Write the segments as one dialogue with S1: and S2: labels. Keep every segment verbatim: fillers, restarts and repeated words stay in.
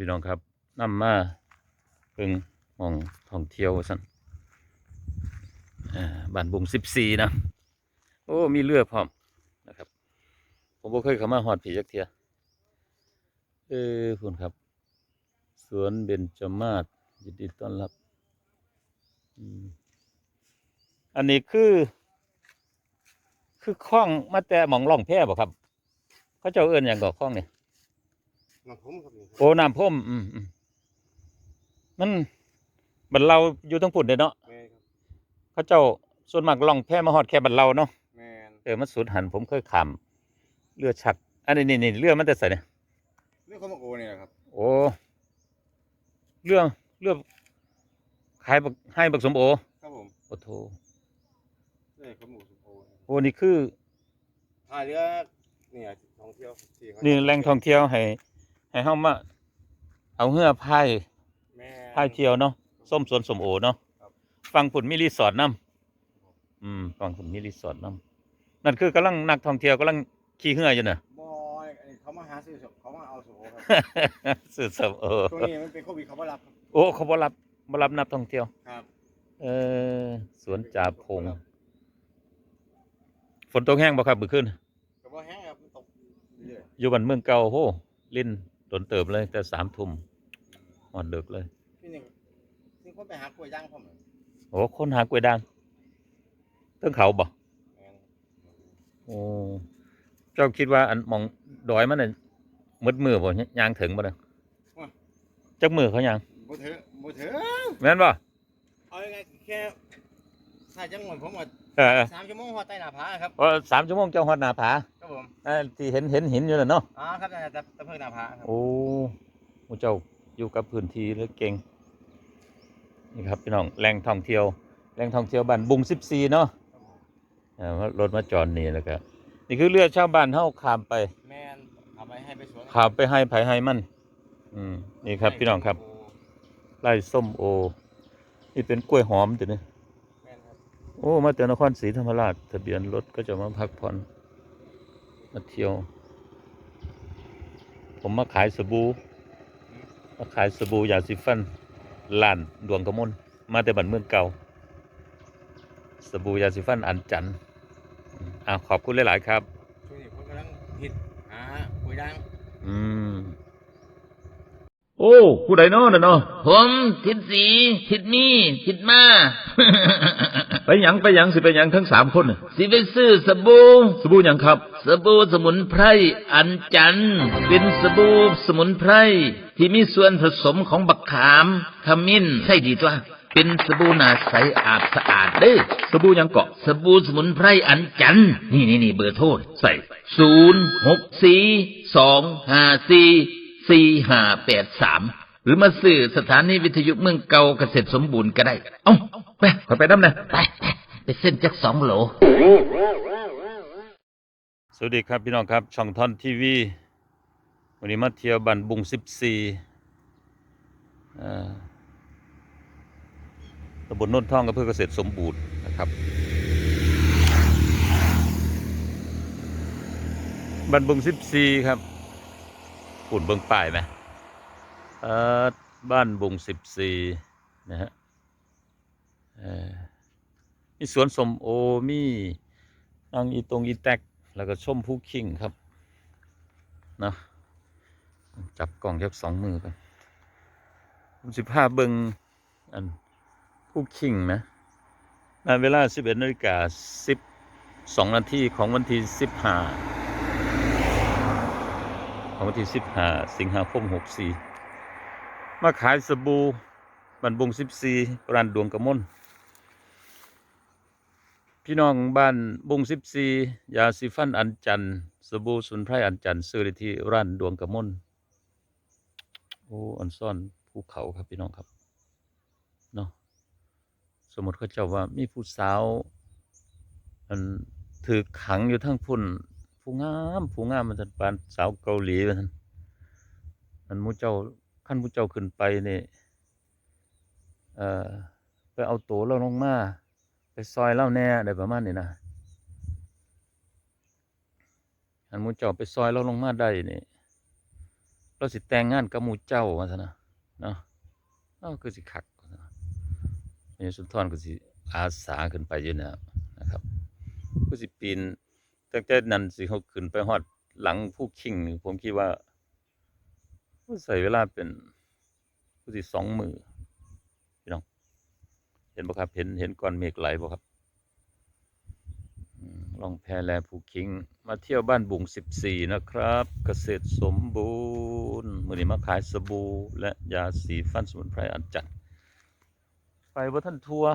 S1: พี่น้องครับนำมาเพิ่งมองท่องเที่ยวสั่นบ้านบุงสิบสี่นะโอ้มีเรือพร้อมนะครับผมบ่เคยเข้ามาหอดผีจักเทียเออคุณครับสวนเบญจมาศยินดีต้อนรับอันนี้คือ คือคล้องมาแต่หมองล่องแพบ่ครับเขาเจ้าเอิ้นอย่างก่อคล้องเนี่ย
S2: น้ำพุ่มครับนี่
S1: โอ้น้ำพ่มอืมอืมมันบัดเราอยู่ทั้งพุ่นเด้เนาะ
S2: แม่ครับ
S1: เขาเจ้าส่วนมากล่องแพมาฮอดแค่บัดเราเนาะ
S2: แม่น
S1: เออมันสุดหันผมเคยข้ามเรือชักอันนี้นี่นี่เรือมันจะใส่เนี่ย
S2: เรื่องข้าวมะโอเนี่ยครับ
S1: โอ้เรือเรือขายบักให้บักสมโอ
S2: ครับผม
S1: โอ้โถ
S2: เรื่องข้าวหมูสุโอ
S1: โอ้นี่คือ
S2: ท่าเรือเนี่ยท่องเที่ยวที่เขา
S1: นี่แหล่งท่องเที่ยวให้ให้เฮามาเอาเรือพาย
S2: แม่
S1: พายเที่ยวเนาะส้มสวนสมโอเนาะฟังผุนมีรีสอร์ทน้ำอืมฟังผุนมีรีสอร์ทน้ำนั่นคือกำลังนักท่องเที่ยวกำลังขี่เรืออยู่เน่ะ
S2: บอยเขามาหาซื้อเขามาเอาสุโอครับ
S1: สื่อสมโอ
S2: ช่วงนี้มันเป็นโควิดเขาไม่รับครับ
S1: โอ้เขาบ่รับบ่รับนักท่องเที่ยว
S2: ครับ
S1: เออสวนจ่าพงฝนตกแห้งบ่ครับมื้อคืน
S2: แต่ว่าแห้งครับมันตกเรื่อย
S1: อยู่บ้านเมืองเก่าโหลิ้นโดนเติบเลยแต่สามทุ่มฮอดดึกเลย
S2: พี่หนึ่งซึ่งคนไปหากล้วยย่างผม
S1: โอ้คนหากล้วยด่างเทิงเขาบ่โอ้เจ้าคิดว่าอันหม่องดอยมันน่ะมืดมือบ่ย่างถึงบ่เด้อจักมือเขาย่าง
S2: บ่เถอะบ่เถอะ
S1: แม่นบ่
S2: เอายังไงแค่ถ้าจังหวัดผมว่า
S1: เออ
S2: สามชั่วโมงฮอดใต้หน้าผาครับ
S1: เพราะสามชั่วโมงเจ้าฮอดหน้าผา
S2: ครับผม
S1: เออที่เห็นเห็นหินอยู่น่ะเนาะ
S2: อ๋อครับแต่แต่แต่เพิ่งหน้าผาครับ
S1: โอ้โอ้เจ้าอยู่กับพื้นที่เลยเก่งนี่ครับพี่น้องแหล่งท่องเที่ยวแหล่งท่องเที่ยวบ้านบุงสิบสี่เนาะรถมาจอดนี่แล้วก็นี่คือเรือชาวบ้านเฮาข้ามไป
S2: แม่นเอาไปให้ไปสวน
S1: ข้ามไปให้ไผให้มันอืมนี่ครับพี่น้องครับไร่ส้มโอนี่เป็นกล้วยหอมตัวนี้โอ้มาจากนครศรีธรรมราชทะเบียนรถก็จะมาพักผ่อนมาเที่ยวผมมาขายสบู่มาขายสบู่ยาสีฟันล้านดวงกระมนมาแต่บ้านเมืองเก่าสบู่ยาสีฟันอันจันอ่าขอบคุณหลายๆครับ
S2: ช่วงนี้ผมกำลังฮิตหาคุยดัง
S1: อืมโอ้ผู้ใดเนาะน่ะเนาะ
S3: ผมทิดสีทิดมีทิดมา
S1: ไปหยังไปหยังสิไปหยังทั้งสามคนน่ะ
S3: สิไปซื้อสบู่
S1: สบู่หยังครับ
S3: สบู่สมุนไพรอัญจันทร์เป็นสบู่สมุนไพรที่มีส่วนผสมของบักขามขมิ้นใช่ดีตัวเป็นสบู่หน้าใสอาบสะอาดเด้อ
S1: สบู่หยังเกาะ
S3: สบู่สมุนไพรอัญจันทร์นี่นี่นี่เบอร์โทรใส่ศูนย์หกสี่สองห้าสี่สี่ห้าแปดสามหรือมาซื้อสถานีวิทยุเมืองเก่าเกษตรสมบูรณ์ก็ได้เอ้าไป
S1: ขอไปน้ำนะ
S3: ไปไปเส้นจักสองโหล
S1: สวัสดีครับพี่น้องครับช่องท่อนทีวีวันนี้มาเที่ยวบ้านบุงสิบสี่ตำบลโนนท่องอำเภอเกษตรสมบูรณ์นะครับบ้านบุงสิบสี่ครับฝุ่นเบิ่งป้ายไหมเอ่อบ้านบุงสิบสี่นะฮะมีสวนสมโอมีนางอีตงอีแตกแล้วก็ชมผู้คิงครับนะจับกล่องแค่สองมือกันผมสิบห้าเบิงอันผู้คิงนะในเวลาสิบเอ็ดนาฬิกาสิบสองนาทีของวันที่สิบห้าของวันที่สิบห้าสิงหาคมหกสี่มาขายสบู่บ้านบุงสิบสี่ร้านดวงกระมนพี่น้องบ้านบุงสิบสี่ยาสีฟันอัญจันทร์สบู่สมุนไพรอัญจันทร์ซื้อได้ที่ร้านดวงกระมนโอ้อันซ่อนภูเขาครับพี่น้องครับเนาะสมมติเขาเจ้าว่ามีผู้สาวมันถือขังอยู่ทั้งพุ่นผู้งามผู้งามมันจะปานสาวเกาหลีมันมันมูเจ้าขั้นมูเจ้าขึ้นไปเนี่ยเอ่อไปเอาตัวเราลงมาไปซอยเล่าแน่ได้ประมาณนี้นะอันมูเจ้าไปซอยเราลงมาได้นี่เราสิแต่งงานกับหมู่เจ้าว่าซั่นนะเนาะเอ้าคือสิคักว่าซั่นนะแม่สุนทรก็สิอาสาขึ้นไปอยู่แล้วนะครับคือสิปีนตั้งแต่นั้นสิเขาขึ้นไปฮอดหลังภูคิงนี่ผมคิดว่าใช้เวลาเป็นคือสิสองมื้อพี่น้องเห็นบ่ครับเห็นเห็นก้อนเมฆไหลบ่ครับอืมล่องแพแลภูคิงมาเที่ยวบ้านบุงสิบสี่นะครับ เกษตรสมบูรณ์มื้อนี้มาขายสบู่และยาสีฟันสมุนไพรอันจันทร์ไปบ่ทันทัวร์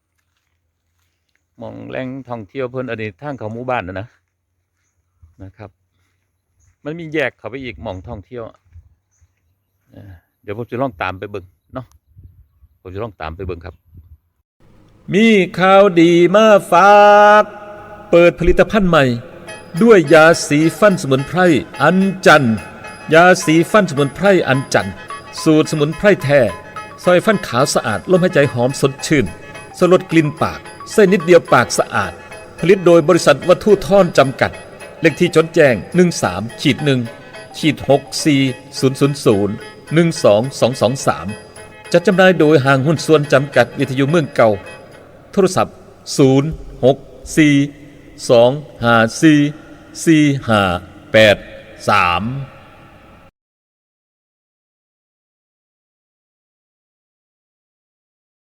S1: หม่องแหล่งท่องเที่ยวเพิ่นอันนี้ทางเข้าหมู่บ้านน่ะนะนะครับมันมีแยกเข้าไปอีกหม่องท่องเที่ยวเอ่อเดี๋ยวผมจะลองตามไปเบิ่งเนาะผมจะลองตามไปเบิ่งครับ มีข่าวดีมาฝาก เปิดผลิตภัณฑ์ใหม่ ด้วยยาสีฟันสมุนไพรอันจันทร์ยาสีฟันสมุนไพรอันจันทร์สูตรสมุนไพรแท้ซอยฟันขาวสะอาดลมหายใจหอมสดชื่นสลดกลิ่นปากเส้นนิดเดียวปากสะอาด ผลิตโดยบริษัทวัตถุท่อนจำกัด เลขที่จดแจ้ง หนึ่งสาม หนึ่ง หก สี่ ศูนย์ ศูนย์ ศูนย์ หนึ่ง สอง สอง สอง สาม จัดจำหน่ายโดยห้างหุ้นส่วนจำกัดวิทยุเมืองเก่าโทรศัพท์ ศูนย์ หก สี่ สอง ห้า สี่ สี่ ห้า แปด สาม